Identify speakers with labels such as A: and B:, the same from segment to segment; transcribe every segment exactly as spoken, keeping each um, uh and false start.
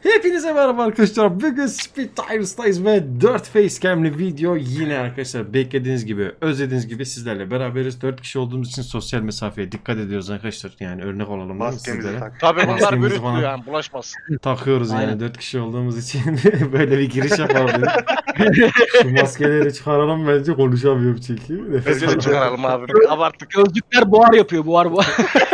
A: Hepinize merhaba arkadaşlar. Bugün Speed Tires'tayız ve dört facecam'li video yine arkadaşlar beklediğiniz gibi, özlediğiniz gibi sizlerle beraberiz. dört kişi olduğumuz için sosyal mesafeye dikkat ediyoruz arkadaşlar. Yani örnek olalım değil mi
B: Maskemizi
A: sizlere?
B: tak.
C: Tabii bunlar
A: Maskemizi
C: virüs
A: falan
C: diyor yani bulaşmaz.
A: takıyoruz yani
D: Aynen.
A: dört kişi olduğumuz için böyle bir giriş yapalım dedik. Şu maskeleri çıkaralım, bence konuşamıyorum çünkü. Nefes
C: Bence de
A: alamıyorum.
C: çıkaralım abi. Abarttık.
D: Gözlükler buhar yapıyor, buhar buhar.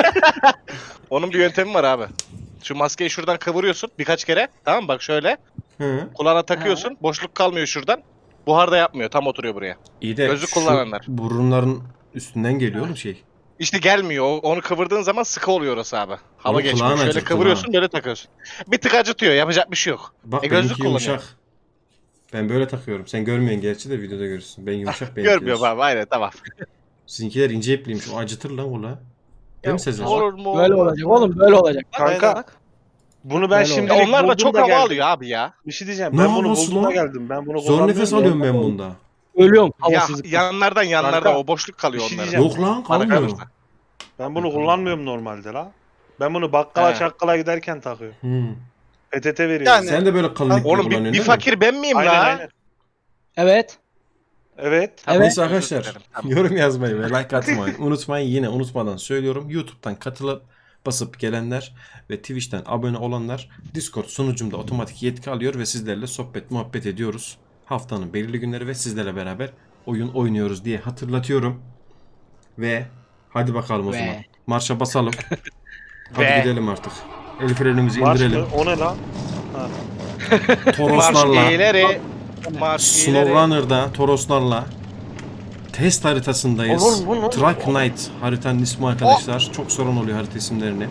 C: Onun bir yöntemi var abi. Şu maskeyi şuradan kıvırıyorsun birkaç kere. Tamam mı? Bak şöyle.
A: Hı.
C: Kulağına takıyorsun. Boşluk kalmıyor şuradan. Buhar da yapmıyor. Tam oturuyor buraya.
A: İyi de
C: Gözlük
A: şu
C: kullananlar.
A: burunların üstünden geliyor mu şey?
C: İşte gelmiyor. O- Onu kıvırdığın zaman sıkı oluyor orası abi. Hava
A: Onu
C: geçmiyor.
A: kulağın
C: Şöyle
A: acıttı
C: kıvırıyorsun
A: ha.
C: böyle takıyorsun. Bir tık acıtıyor. Yapacak bir şey yok.
A: Bak
C: E, gözlük
A: benimki
C: kullanıyor.
A: yumuşak. Ben böyle takıyorum. Sen görmüyorsun gerçi de videoda görürsün. Ben yumuşak, benimki
C: Görmüyorum abi. Aynen tamam.
A: Sizinkiler ince ipliymiş. O acıtır lan ula. Değil
C: Ya,
A: mi Sezer?
C: Olur mu?
D: Böyle olacak oğlum, böyle olacak.
B: Kanka bunu ben
D: Böyle
B: şimdi
C: Ya onlar da çok hava alıyor abi ya.
B: Bir şey diyeceğim.
A: Ne
B: Ben bunu
A: havası
B: buldum da
A: lan?
B: geldim. Ben bunu
A: Zor nefes
B: kullanmıyorum ya.
A: alıyorum ben bunda.
D: Ölüyorum
C: Ya,
D: havasızlıktan.
C: yanlardan yanlarda
B: Kanka,
C: o boşluk kalıyor
B: bir şey
C: onların.
B: diyeceğim.
A: Yok lan,
C: Bana
A: kalmıyor.
C: kalırsa.
B: Ben bunu kullanmıyorum normalde la. Ben bunu bakkala
C: He.
B: çakkala giderken takıyorum.
A: Hmm.
B: P T T veriyorum.
C: Yani-
A: Sen de böyle kalın ipli
C: Oğlum bir,
A: kullanıyorsun
C: bir
A: değil mi?
C: fakir ben miyim
B: Aynen
C: la?
B: aynen.
D: Evet.
B: Evet.
C: Tamam,
D: Evet.
A: Neyse
C: özür
A: arkadaşlar,
C: dilerim, tamam.
A: yorum yazmayı ve like atmayı unutmayın. Yine unutmadan söylüyorum. YouTube'dan katılıp basıp gelenler ve Twitch'ten abone olanlar Discord sunucumda otomatik yetki alıyor ve sizlerle sohbet muhabbet ediyoruz. Haftanın belirli günleri ve sizlerle beraber oyun oynuyoruz diye hatırlatıyorum. Ve hadi bakalım o
D: Ve.
A: zaman. Marşa basalım. Hadi
C: Ve.
A: gidelim artık. El frenimizi
B: Marş
A: indirelim.
B: mı? O ne la?
C: Marş
A: Toroslarla,
C: ileri. Marş ileri.
A: SnowRunner'da Toroslarla test haritasındayız.
C: Oğlum, bu ne?
A: Truck Night haritanın ismi arkadaşlar. Çok sorun oluyor harita isimlerini.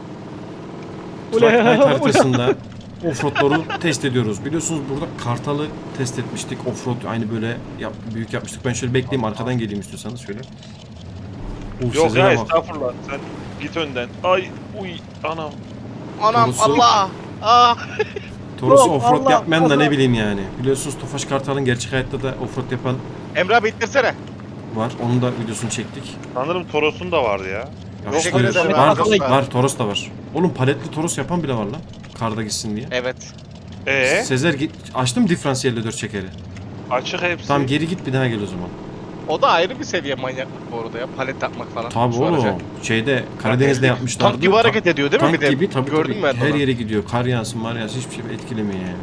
A: Truck
D: Ula,
A: Night
D: ula.
A: haritasında offroad'ları test ediyoruz. Biliyorsunuz burada Kartal'ı test etmiştik. Offroad aynı böyle yap, büyük yapmıştık. Ben şöyle bekleyeyim, arkadan geleyim istiyorsanız şöyle. Uf,
B: Yok
A: Sezer'e
B: ya
A: bak.
B: estağfurullah. Sen git önden. Ay uy anam.
C: Anam
A: Torusu-
C: Allah. Ah.
A: Toros'u
D: Yok,
A: offroad
D: Allah,
A: yapmayan da ne
D: Allah.
A: bileyim yani. Biliyorsunuz Tofaş Kartal'ın gerçek hayatta da offroad yapan
C: Emre abi ittirsene.
A: var. Onun da videosunu çektik.
B: Sanırım Toros'un da vardı ya.
A: Ya
C: Yok,
A: işte
C: öyle de
A: var,
C: var.
A: var, var, Toros da var. Oğlum paletli Toros yapan bile var lan. Karda gitsin diye.
C: Evet.
B: Ee
A: Sezer git, açtım diferansiyelle dört çekeri.
B: açık hepsi.
A: Tamam geri git bir daha gel o zaman.
C: O da ayrı bir seviye manyaklık bu arada ya. Palet yapmak falan.
A: Tabii
C: Şu araca.
A: oğlum. Şeyde Karadeniz'de yapmışlardı.
C: Tank gibi hareket ediyor değil mi
A: Tank
C: bir de?
A: gibi tabii
C: Gördün
A: tabii.
C: mü ben
A: Her
C: onu?
A: yere gidiyor. Kar yağsın, mar yağsın hiçbir şey etkilemiyor yani.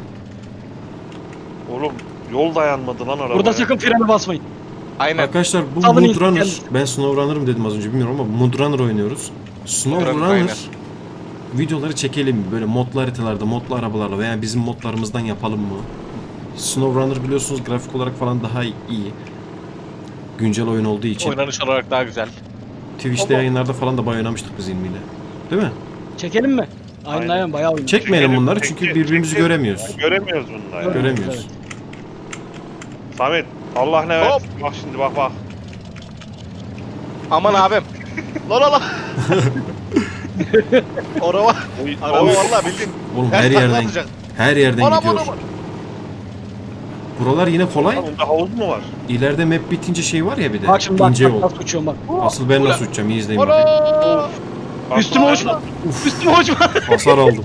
B: Oğlum yol dayanmadı lan arabaya.
D: Burada sakın frene basmayın.
C: Aynen.
A: Arkadaşlar bu
D: Salın
A: Mudrunner.
D: kendisi.
A: Ben SnowRunner'ım dedim az önce bilmiyorum ama Mudrunner oynuyoruz.
C: Mudrunner,
A: SnowRunner
C: aynen.
A: videoları çekelim mi? Böyle modlu haritalarda, modlu arabalarla veya bizim modlarımızdan yapalım mı? SnowRunner biliyorsunuz grafik olarak falan daha iyi. Güncel oyun olduğu için.
C: Oynanış olarak daha güzel.
A: Twitch'te
D: Baba.
A: yayınlarda falan da bayağı oynamıştık biz ilmiyle. Değil mi?
D: Çekelim mi? Aynen
B: Aynen.
D: aynen, bayağı oynuyor.
A: Çekmeyelim
B: Çekelim,
A: bunları
B: çekelim,
A: çünkü birbirimizi
B: çekelim.
A: göremiyoruz.
B: Göremiyoruz bununla ya.
A: Göremiyoruz.
D: Evet.
B: Samet Allah ne
C: Hop.
B: versin. Bak şimdi bak bak.
C: Aman abim. La la la. Araba.
B: Oy,
C: Araba
B: oy.
C: vallahi bildiğin.
A: Oğlum
C: Ters
A: her
C: takla
A: yerden
C: atacak.
A: her yerden
C: Anam
A: gidiyor.
C: anam.
A: Buralar yine kolay.
B: Lan bunda havuz mu var?
A: İleride map bitince şey var ya bir de.
D: Bak şimdi bak,
A: ince
D: bak
A: yol.
D: nasıl uçuyorum bak.
A: Asıl ben
C: Ula.
A: nasıl uçacağım iyi izleyin bakayım.
C: Ana.
B: Bak,
D: Üstüme
B: bak.
D: uçma. Üstüme uçma.
A: Hasar aldım.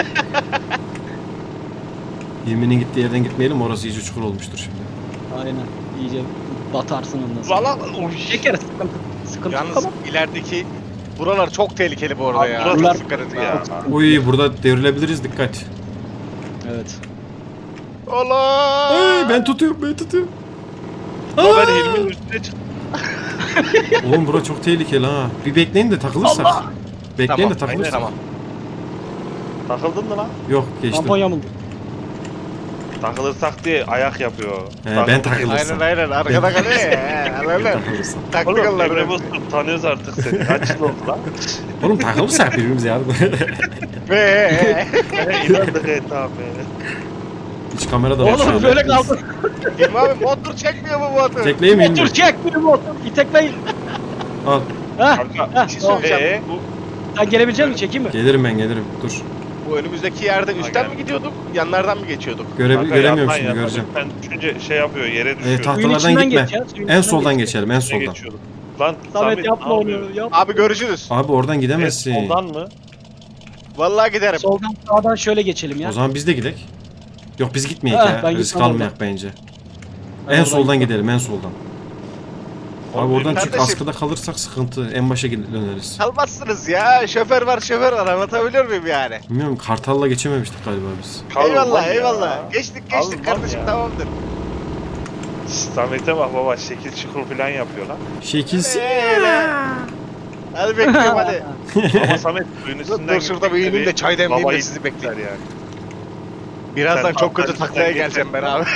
A: Yeminin gittiği yerden gitmeyelim, orası iyice çukur olmuştur şimdi.
D: Aynen. İyice batarsın ondan sonra.
B: Valla oy.
D: Çekeriz, sıkıntı. Sıkıntı yok
C: Yalnız
D: ama.
C: ilerideki buralar çok tehlikeli bu arada
B: Abi
C: ya.
B: burası
D: Buralar-
C: Çok dikkat edin ya.
B: ya.
A: Uy burada devrilebiliriz, dikkat.
D: Evet.
C: Allah.
A: Ay, ben tutuyorum ben tutuyorum.
B: Ama ben
A: Aa!
B: Hilmi'nin üstüne çıktım.
A: Oğlum bura çok tehlikeli ha. Bir bekleyin de takılırsak. Bekleyin
C: Tamam,
A: de takılırsak.
C: Tamam.
B: Takıldın mı lan?
A: Yok geçtim.
D: Tampon yamuldu.
B: Takılırsak diye ayak yapıyor.
A: He, ben takıldım.
C: Aynen aynen. Arkada kalıyor ya. Öyle.
A: Takılırsak.
C: Taktı
B: Oğlum
C: kıllar.
B: Emre Bozkurt tanıyoruz artık seni. Kaç yıl oldu lan?
A: Oğlum takılırsak birbirimize yardım.
C: Ve
B: He inandık et abi.
A: Hiç kamera da var. şu
D: Oğlum
A: anda.
D: böyle kaldı.
C: İlmi abi motor çekmiyor bu motor.
A: Tekleyeyim mi?
D: Motor çek bir motor. İtekleyin.
A: Al.
D: Heh.
B: Kanka
D: Heh,
C: Bir şey
D: tamam.
C: söyleyeceğim.
B: Ee?
C: Bu,
D: Sen gelebilecek misin? Çekeyim mi?
A: Gelirim ben gelirim. Dur.
C: bu önümüzdeki yerde üstten
B: gel.
C: mi gidiyorduk? Yanlardan mı geçiyorduk?
A: Göre
B: kanka
A: göremiyorum
B: yandan,
A: şimdi,
B: yandan.
A: göreceğim.
B: Ben düşünce şey yapıyor yere düşüyor.
A: Evet, taht-
D: Suyun
A: Tahtalardan
D: içinden
A: gitme.
D: geç ya, suyun
A: En
D: içinden
A: soldan
D: geç.
A: geçelim, en
B: Ne
A: soldan.
B: geçiyorduk? Lan
D: Samet yapma
B: ne
D: onu.
B: yapıyor?
D: Yap.
C: Abi görüşürüz.
A: Abi oradan gidemezsin.
B: Soldan mı?
C: Vallahi giderim.
D: Soldan sağdan şöyle geçelim ya.
A: O zaman biz de gidelim. Yok biz gitmeyek
D: Ha,
A: ya.
D: ben
A: Risk
D: gitmem
A: almayak bence.
D: Ben
A: en
D: oradan
A: soldan
D: gitmem.
A: gidelim en soldan. Abi
B: Oğlum,
A: oradan çık
C: kardeşim.
A: askıda kalırsak sıkıntı. En başa gidip döneriz.
C: Kalmazsınız ya. Şoför var şoför var. Anlatabiliyor muyum yani?
A: Bilmiyorum Kartal'la geçememiştik galiba biz.
B: Kalın
C: eyvallah
B: lan ya.
C: eyvallah. Geçtik geçtik
B: Kalın
C: kardeşim
B: ya.
C: tamamdır.
B: Samet'e bak baba şekil çukur falan yapıyor lan.
A: Şekilsi.
C: Öyle. Hadi bekliyorum hadi.
B: Ama Samet suyun üstünden
C: Dur şurada bir ineyim de çay demleyeyim de sizi
B: bekleyeyim.
C: bekleyeyim. Birazdan
B: Sen
C: çok kötü
B: atlar
C: taklaya
B: üstünden
C: geleceğim ben abi.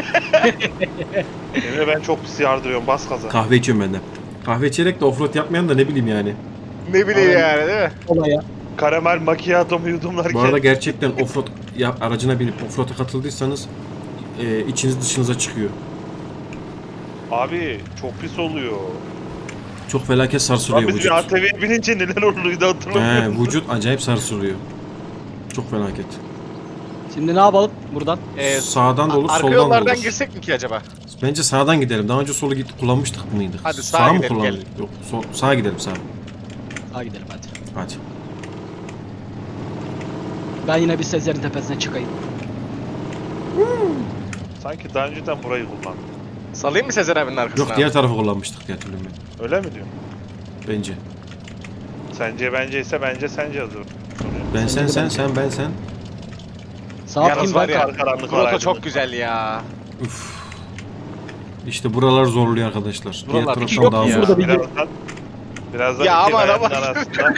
B: Emre ben çok pis yardırıyorum bas gaza.
A: Kahve içiyorum ben de. Kahve içerek de offroad yapmayan da ne bileyim yani.
C: Ne bileyim
D: Aynen.
C: yani değil mi?
D: Olaya.
B: Karamel macchiato mu yudumlarken.
A: Bu arada gerçekten offroad ya, aracına binip offroad'a katıldıysanız e, içiniz dışınıza çıkıyor.
B: Abi çok pis oluyor.
A: Çok felaket
B: Lan
A: sarsılıyor
B: biz
A: vücut.
B: bir A T V'ye binince neler oluyordu hatırlamıyor
A: He,
B: musun?
A: vücut acayip sarsılıyor. Çok felaket.
D: Şimdi ne yapalım buradan?
C: Ee,
A: Sağdan da olur,
C: Arka
A: soldan da
C: yollardan
A: olur.
C: girsek mi ki acaba?
A: Bence sağdan gidelim. Daha önce solu git kullanmıştık mıydık?
C: Hadi sağa
A: Sağ mı
C: gidelim,
A: kullandık? Yok, sol, sağa gidelim sağa.
D: Sağa gidelim hadi.
A: Hadi.
D: Ben yine bir Sezer'in tepesine çıkayım.
B: Sanki daha önceden burayı kullandım.
C: Salayım mı Sezer abinin arkasına?
A: Yok diğer tarafı kullanmıştık diye hatırlıyorum ben.
B: Öyle mi diyorsun?
A: Bence.
B: Sence bence ise bence sence hazır.
A: Ben sen
D: Sence de
A: sen
D: bence.
A: sen ben sen.
D: Sağ
C: Yalnız
D: atayım
C: var
D: ben.
C: ya,
B: Kar karanlık var
C: Grotto
B: aydınlık
C: çok
B: var.
C: güzel ya.
A: Üf. İşte buralar zorluyor arkadaşlar. Diğer
C: Buralar
A: taraftan
D: yok
A: daha
D: mu
A: zor.
D: burada bir-
B: Birazdan birazdan
C: Ya
B: iki
C: aman,
B: kayanın
C: aman.
B: arasında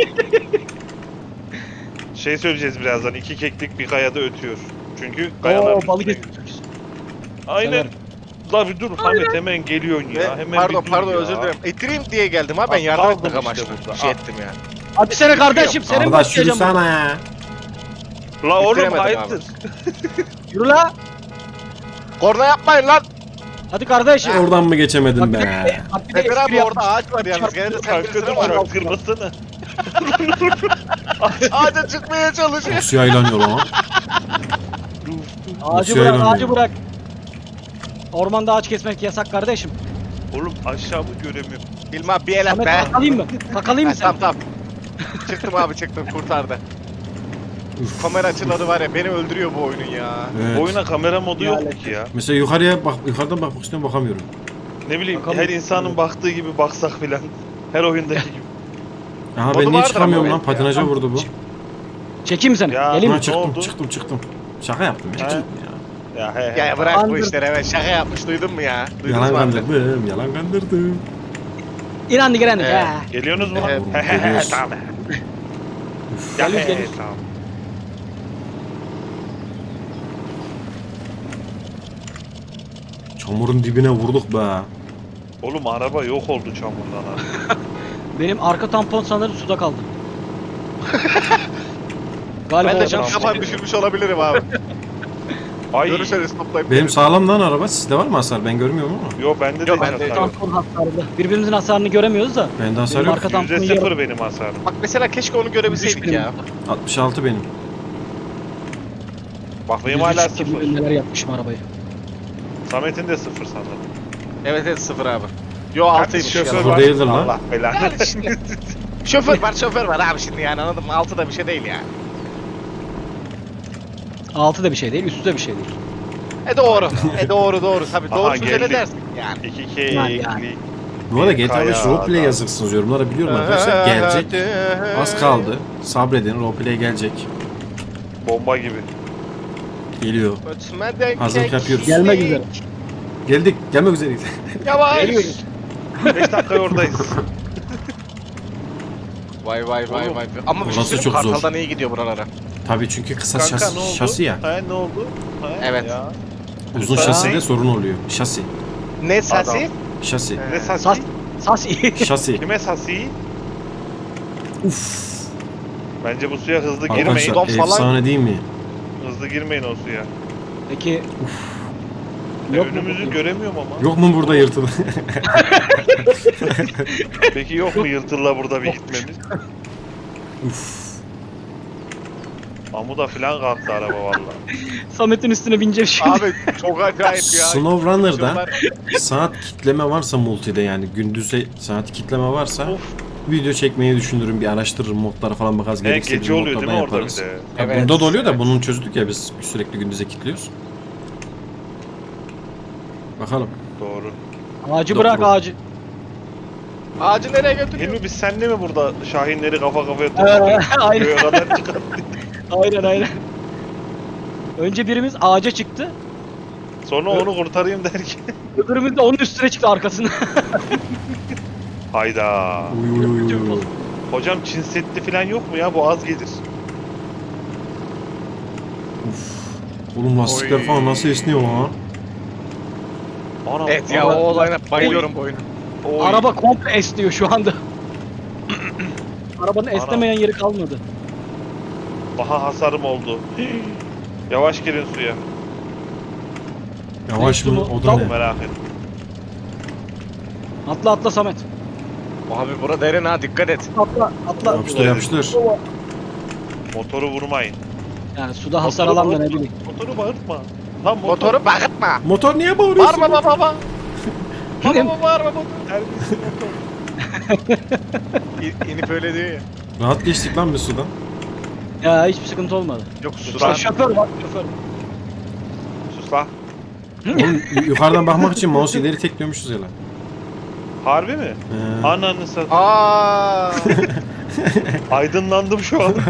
B: şey söyleyeceğiz birazdan. İki keklik bir kayada ötüyor. Çünkü kayalar
D: Oo balık
B: üstüne
D: etmiş.
B: gidiyor. Aynen.
D: Sever.
B: La bir dur Hamet hemen geliyorsun ya.
C: Ve-
B: Hemen
C: pardon
B: bir dur
C: pardon
B: ya.
C: özür dilerim. İttireyim diye geldim ha ben
B: Al,
C: yardım
B: aldım
C: etmek
B: işte
C: amaçlı.
B: burada,
C: Bir şey
B: al.
C: ettim ya.
D: Hadi sene kardeşim seni mi
A: Kardeş yürü
D: bakacağım?
A: sana ya.
B: La oğlum
C: İttiremedim
B: hayırdır?
D: Yürü la.
C: Korna yapmayın lan.
D: Hadi kardeşim.
A: Oradan mı geçemedin
D: Bak bir
A: be?
D: de, bak bir de
C: Sezer
D: espri
C: abi orada
D: yapmış.
C: ağaç var yalnız. Gene de sen
B: Kanka
C: birisine
B: dur
C: var.
B: çok kırmasana.
C: Ağaca çıkmaya çalışıyor.
A: Nasıl yaylanıyor lan?
D: Ağacı
A: Nasıl
D: bırak
A: yaylanıyor?
D: ağacı bırak. Ormanda ağaç kesmek yasak kardeşim.
B: Oğlum aşağımı göremiyorum.
C: Bilmem bir el at
D: Samet
C: be.
D: takalayım mı? Takalayım
C: Ha,
D: mı
C: tamam
D: sen?
C: tamam. Çıktım abi çıktım kurtardı.
A: Üf.
C: Kamera açıları var ya beni öldürüyor bu oyunun ya.
A: Evet.
B: Oyuna kamera modu yok mu
D: Yani.
B: ki ya?
A: Mesela yukarıya bak, yukarıdan bakmak istiyorum bakamıyorum.
B: Ne bileyim
D: Bakalım.
B: her insanın baktığı gibi baksak filan. Her oyundaki gibi.
A: Aha
C: Modu
A: ben niye
C: vardır
A: çıkamıyorum
C: ama
A: lan?
C: evet ya.
A: Patinaja vurdu bu.
D: Çekeyim mi seni?
B: Ya.
D: Geleyim
A: Ha
D: mi?
A: çıktım
B: oldu?
A: çıktım çıktım. Şaka yaptım ya.
B: Ha?
A: Çıktım ya.
B: Ya he he.
C: Ya bırak bu
D: Anladım.
C: işleri evet şaka yapmış duydun mu ya? Duydunuz
A: Yalan
C: mu abi?
A: kandırdım, yalan kandırdım.
D: İnandık inandık.
C: Evet.
D: ha.
B: Geliyorsunuz mu?
C: Evet.
B: He he he
A: Geliyoruz.
B: tamam. Ya
D: Geliyoruz,
B: he he
D: geliyoruz.
B: tamam.
A: Çamurun dibine vurduk be.
B: Oğlum araba yok oldu çamurdan ha.
D: Benim arka tampon sanırım suda kaldı. Galiba
C: Ben de
D: oradan-
C: cam kapan düşürmüş olabilirim abi.
B: Ay.
C: Görürseniz toplayıp
A: Benim
C: gelin.
A: sağlam lan araba. Sizde var mı hasar? Ben görmüyorum ama.
B: Yo bende de
C: Yok,
B: hiç
C: bende
B: hasar yok.
D: tampon hasarında. Birbirimizin hasarını göremiyoruz da.
A: Bende hasar
D: Benim
A: yok.
D: arka tamponu
B: Yüzde
D: yiyorum.
B: sıfır benim hasarım.
C: Bak mesela keşke onu görebilseydik
D: Düş
C: ya.
A: altmış altı benim.
B: Bak benim
D: Yüzde
B: hala
D: sıfır
B: sıfır.
D: gibi Neler yapmışım arabayı.
B: Samet'in de sıfır sanırım.
C: Evet evet sıfır abi. Yo
B: Yalnız
C: altıymış
B: şoför
C: ya.
A: Sıfır
B: var.
A: değildir lan.
B: Allah belanı.
C: Yani şimdi şoför var şoför var abi şimdi yani anladın mı? Altı da bir şey değil yani.
D: Altı da bir şey değil, üstü de bir şey değil.
C: E doğru. e doğru doğru tabii.
B: Aha,
C: Doğru söyle
B: geldik.
C: dersin yani.
B: İki K
D: Yani,
B: ekli.
D: yani.
A: Bu arada G T A beş
B: Kaya
A: roleplay
B: adam.
A: yazıksınız yorumlara biliyorum arkadaşlar. Gelecek. Az kaldı. Sabredin roleplay gelecek.
B: Bomba gibi.
A: Geliyor.
C: Ötmeden
A: Hazırlık
C: kek-
A: yapıyoruz.
D: Gelmek üzere.
A: Geldik. Gelmek üzereyiz.
C: Yavaş.
D: Geliyoruz.
B: beş dakika oradayız.
C: Vay vay vay
B: Oğlum,
C: vay. Ama bir şey
A: burası
C: söyleyeyim
A: çok zor.
C: Kartal'dan iyi gidiyor buralara.
A: Tabii çünkü kısa
B: Kanka
A: şasi,
B: ne oldu?
A: şasi ya.
B: He ne oldu? He,
C: Evet.
B: Ya.
A: Uzun
B: Kısa-
A: şaside sorun oluyor. Şasi.
C: Ne sasi?
A: Şasi.
B: Ne sasi?
D: Sas, sas iyi.
A: Şasi.
B: Kime sasi?
A: Uf.
B: Bence bu suya hızlı girmeyin.
A: Arkadaşlar
C: Don falan-
A: efsane değil mi?
B: Hızlı girmeyin o suya.
D: Peki.
B: E,
D: Yok mu
B: önümüzü
D: bu?
B: göremiyorum ama.
A: Yok mu burada yırtılı?
B: Peki yok mu yırtılla burada bir gitmemiz?
A: Uf.
B: Amuda falan kalktı araba valla.
D: Samet'in üstüne bineceğim şimdi.
C: Abi çok acayip ya.
A: SnowRunner'da
C: Şunlar-
A: saat kitleme varsa multide yani gündüze saat kitleme varsa
B: Of.
A: video çekmeyi düşünürüm. Bir araştırırım, modlara falan bakarız.
B: He,
A: Gerekirse
B: gece
A: bizim
B: oluyor değil mi
A: modlardan
B: orada bir
A: yaparız.
B: de?
A: Ya
C: Evet,
A: bunda da oluyor da
C: evet.
A: bunun çözdük ya biz sürekli gündüze kilitliyoruz. Bakalım.
B: Doğru.
D: Ağacı
A: Doğru.
D: bırak ağacı.
C: Ağacı nereye götürüyor?
B: Hilmi biz seninle mi burada şahinleri kafa kafaya
D: Ee,
B: topluyoruz?
D: aynen.
B: Göğe kadar çıkarttık.
D: Aynen aynen. Önce birimiz ağaca çıktı.
B: Sonra onu kurtarayım derken.
D: Öbürümüz de onun üstüne çıktı arkasına.
B: Hayda.
A: Uy, uy, uy, uy.
B: Hocam Çin Seddi falan yok mu ya? Bu az gelir.
A: Oğlum lastikler
C: Oy.
A: falan nasıl esniyor lan?
B: Anam,
C: Evet ya
B: anam.
C: o olayına bayılıyorum bu oyuna.
B: Oy.
D: Araba komple esniyor şu anda. Arabanın esnemeyen yeri kalmadı.
B: Daha hasarım oldu. Yavaş girin suya.
A: Yavaş mı?
D: Neyse,
A: O da
D: tamam.
A: ne?
B: Merak et.
D: Atla atla Samet.
C: Abi bura derin ha dikkat et.
D: Atla atla.
A: Yapıştır yapıştır.
B: Motoru vurmayın.
D: Yani suda hasar
B: Motoru
D: alan da ne
B: bağırtma.
D: bileyim.
B: Motoru bağırtma. Lan motor.
C: Motoru bağırtma.
A: Motor niye bağırıyorsun?
C: Bağırma baba baba. Baba baba bağırma baba.
B: Terbiyesiz motor.
C: İ- İnip öyle diyor ya.
A: Rahat geçtik lan bir sudan.
D: Ya hiçbir sıkıntı olmadı.
C: Yok
D: Şoför,
C: sudan.
D: şoför bak şoför.
B: Sus lan.
A: Oğlum y- yukarıdan bakmak için mouse ileri tekliyormuşuz ya lan.
B: Harbi mi?
A: Ee,
B: Ananı sat.
C: Aa.
B: Aydınlandım şu anda.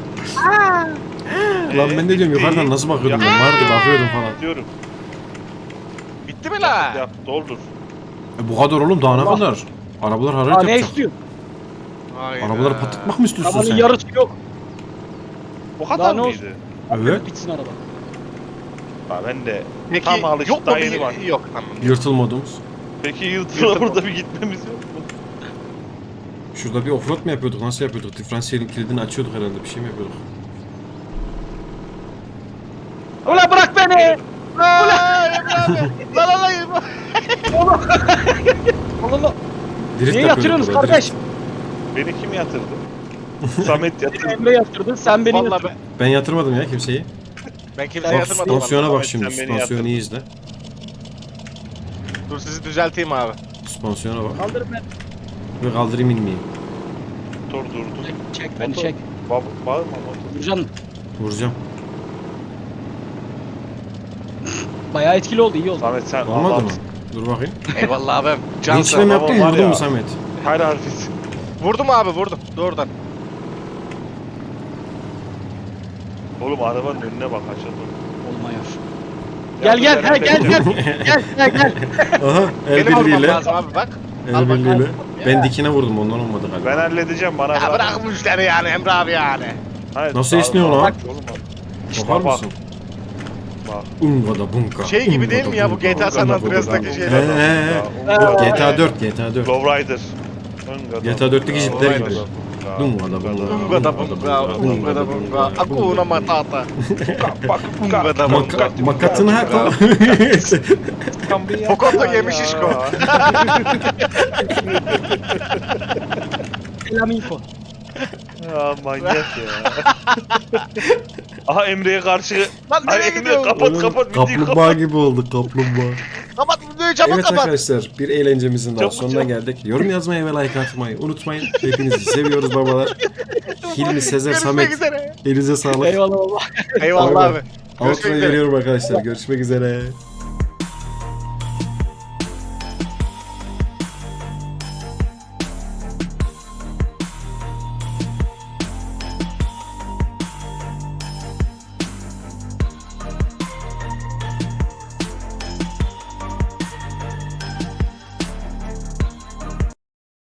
A: lan ben de diyorum yukarıdan nasıl bakıyordum ben? Vardı bakıyordum falan.
B: Diyorum.
C: Bitti mi la?
B: Yap doldur.
A: E, bu kadar oğlum daha ne
D: Allah.
A: kadar? Arabalar hararet
D: Aa ne
A: yapacak.
D: istiyor?
C: Hayda.
A: Arabaları patlatmak mı istiyorsun
D: Arabanın
A: sen?
D: yarısı yok.
B: O
D: Daha
B: kadar
D: ne
B: mıydı?
A: Evet.
D: Bitsin araba.
B: Ha, ben de
C: Peki
B: tam alıştı
C: yok mu
B: daha yeni
C: bir...
B: var.
C: Yok tamam.
A: Yırtıl modumuz.
B: Peki yıltıra burada bir gitmemiz yok mu?
A: Şurada bir offroad mu yapıyorduk? Nasıl yapıyorduk? Diferansiyelin kilidini açıyorduk herhalde. Bir şey mi yapıyorduk?
D: Ulan bırak beni!
C: Aa, Emre abi. La la la Emre.
D: Allah Allah.
A: Drift
D: Niye
A: yapıyorduk
D: yatırıyorsunuz
A: burada,
D: kardeş?
A: drift.
B: Beni kim yatırdı? Samet yatırdı.
D: Emre yatırdı, sen beni
C: Vallahi
D: yatırdın.
C: ben,
A: Ben yatırmadım ya kimseyi.
C: ben kimseye
A: Bak
C: yatırmadım.
A: süspansiyona bak
B: Ahmet,
A: şimdi.
B: sen beni
A: Süspansiyonu iyi
B: yatırdın.
A: izle.
C: Dur sizi düzelteyim abi.
A: Süspansiyona bak.
D: Kaldırın beni.
A: Ve kaldırayım inmeyeyim.
B: Dur dur dur.
D: Çek, çek beni
B: Motor.
D: çek.
B: Ba bağırma motor.
D: Vurcan
A: Vuracağım.
D: bayağı etkili oldu, iyi oldu.
B: Samet sen
A: Olmadı mı?
B: adamsın.
A: Dur bakayım.
C: Eyvallah abim.
A: Linçle
C: Cansın.
A: mi yaptın
B: Ama var
A: vurdun
B: ya.
A: mu Samet?
B: Her harfisin.
C: Vurdum abi vurdum. Doğrudan.
B: Oğlum arabanın önüne bak aşağıda.
D: Olmuyor.
B: Ya
D: Gel
B: dur,
D: gel
B: ben
D: gel gel
B: halledeceğim.
D: gel gel gel gel.
A: Aha el
C: Benim vurmam
A: birliğiyle.
C: lazım abi bak.
A: El
C: Al bak,
A: birliğiyle.
C: al.
A: Ben
C: Ya.
A: dikine vurdum ondan olmadı galiba.
B: Ben halledeceğim bana
C: Ya bırak bu işleri yani Emre abi yani.
B: Hayır,
A: Nasıl
B: daha-
A: esniyor
B: daha-
A: lan?
B: Oğlum bak.
A: Bakar
B: bak.
A: mısın?
B: Bak.
A: Unga da bunka.
C: Şey gibi değil mi ya bu G T A San Andreas'taki şeyler?
A: He.
B: Unga-
A: G T A dört, G T A dört.
B: Lowrider.
A: G T A dörtteki jipler gibi. Dunga da bunga.
C: Bunga da bunga, bunga da bunga, akuna matata. Bunga da bunga.
A: Maka, makatını ha tamam.
C: Fokoto yemiş işko.
D: Selam info.
B: Ya manyak ya. Aha Emre'ye karşı.
C: Lan
B: Ay
C: nereye
B: Emre
C: gidiyorsun?
B: kapat kapat videoyu kapat.
A: Kaplumbağa gibi oldu kaplumbağa.
C: Kapat videoyu çabuk
A: Evet
C: kapat.
A: arkadaşlar bir eğlencemizin daha
B: Çabuk,
A: sonuna
B: çabuk.
A: geldik. Yorum yazmayı ve like atmayı unutmayın. Hepinizi seviyoruz babalar. Hilmi, Sezer,
C: Görüşmek
A: Samet.
C: üzere.
A: Elinize sağlık.
D: Eyvallah baba.
C: Eyvallah
A: Bay
C: abi.
A: bay.
C: Görüşmek
A: Outro'yu
C: üzere.
A: veriyorum arkadaşlar. Görüşmek üzere.